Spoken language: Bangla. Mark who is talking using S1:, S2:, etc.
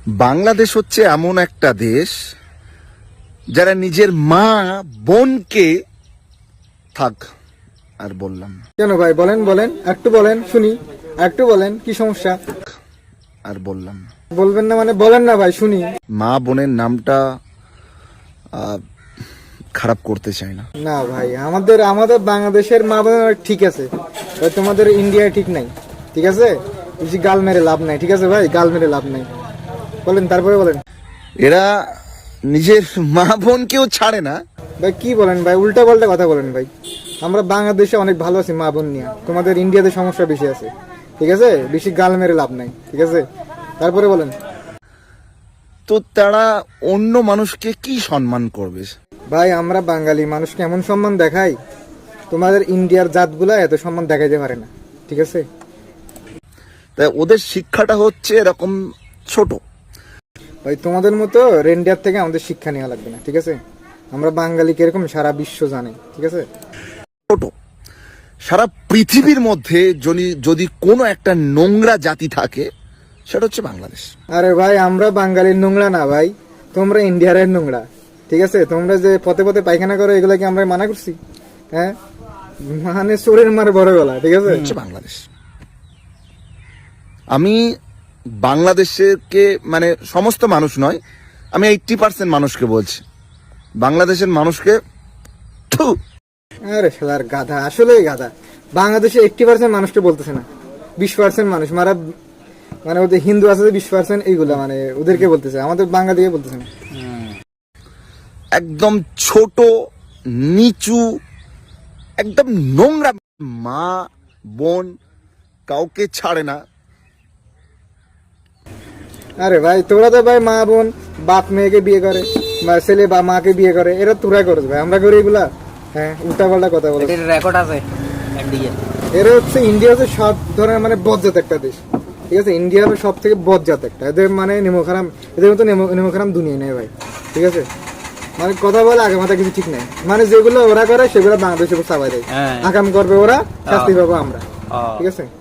S1: বাংলাদেশ হচ্ছে এমন একটা দেশ যারা নিজের মা বোনকে থাক আর বললাম না।
S2: কেন ভাই বলেন বলেন একটু বলেন শুনি, একটু বলেন কি সমস্যা?
S1: আর বললাম না।
S2: বলবেন না মানে বলেন না ভাই শুনি।
S1: মা বোনের নামটা খারাপ করতে চাই না।
S2: না ভাই আমাদের আমাদের বাংলাদেশের মা বোন ঠিক আছে ভাই, তোমাদের ইন্ডিয়ায় ঠিক নাই, ঠিক আছে? বেশি গাল মেরে লাভ নাই, ঠিক আছে ভাই? গাল মেরে লাভ নাই, বলেন তারপরে বলেন।
S1: এরা নিজের মা বোনকেও ছাড়ে না।
S2: ভাই কি বলেন ভাই, উল্টা পাল্টা কথা বলেন ভাই। আমরা বাংলাদেশে অনেক ভালো আছি মা বোন নিয়ে, তোমাদের ইন্ডিয়াতে সমস্যা বেশি আছে, ঠিক আছে? বেশি গাল মেরে লাভ নাই, ঠিক আছে? তারপরে বলেন।
S1: তো তারা অন্য মানুষকে কি সম্মান করবে?
S2: ভাই আমরা বাঙালি মানুষকে এমন সম্মান দেখাই, তোমাদের ইন্ডিয়ার জাতগুলা এত সম্মান দেখাইতে পারে না, ঠিক আছে?
S1: তাই ওদের শিক্ষাটা হচ্ছে এরকম ছোট।
S2: ভাই তোমাদের মতো রেন্ডিয়ার থেকে আমাদের শিক্ষা নেওয়া লাগবে না, ঠিক আছে? আমরা বাঙালি কিরকম সারা বিশ্ব জানে, ঠিক আছে?
S1: ছোট। সারা পৃথিবীর মধ্যে যদি কোনো একটা নোংরা জাতি থাকে সেটা হচ্ছে বাংলাদেশ।
S2: আরে ভাই আমরা বাঙালির নোংরা না ভাই, তোমরা ইন্ডিয়ার নোংরা, ঠিক আছে? তোমরা যে পথে পথে পায়খানা করো এগুলা কি আমরা মানা করছি? হ্যাঁ, মানে চোরের মার বড় গলা, ঠিক আছে?
S1: হচ্ছে বাংলাদেশ। আমি বাংলাদেশকে মানে সমস্ত মানুষ নয়, আমি 80% মানুষকে বলছি, বাংলাদেশের মানুষকে থু।
S2: আরে শালার গাধা, আসলেই গাধা। বাংলাদেশে 80% মানুষকে বলতেছে না, 20% মানুষ মারা, মানে ওদের হিন্দু আছে 20% এইগুলা, মানে ওদেরকে বলতেছে, আমাদের বাঙালিকে বলতেছে না।
S1: একদম ছোট নিচু একদম নোংরা। মা বোন কাউকে ছাড়ে না।
S2: আরে ভাই তোরা তো ভাই মা বোন বাপ মেয়েকে বিয়ে করে, বা ছেলে বা মাকে বিয়ে করে, এরা তোরা করছ ভাই, আমরা করি এগুলা? হ্যাঁ, উল্টা পাল্টা কথা বলে।
S3: রেকর্ড আছে একদিকে।
S2: এরা হচ্ছে ইন্ডিয়া হচ্ছে সব ধরনের মানে বজ্জাত একটা দেশ, ঠিক আছে? ইন্ডিয়া হলো সব থেকে বজ্জাত একটা, এদের মানে নেমোখারাম, এদের মতো নেমোখারাম দুনিয়া নেই ভাই, ঠিক আছে? মানে কথা বলে আগে মাথা কিছু ঠিক নাই, মানে যেগুলো ওরা করে সেগুলো বাংলাদেশে চাপাই দেয়। আকাম করবে ওরা, শাস্তি পাবো আমরা, ঠিক আছে?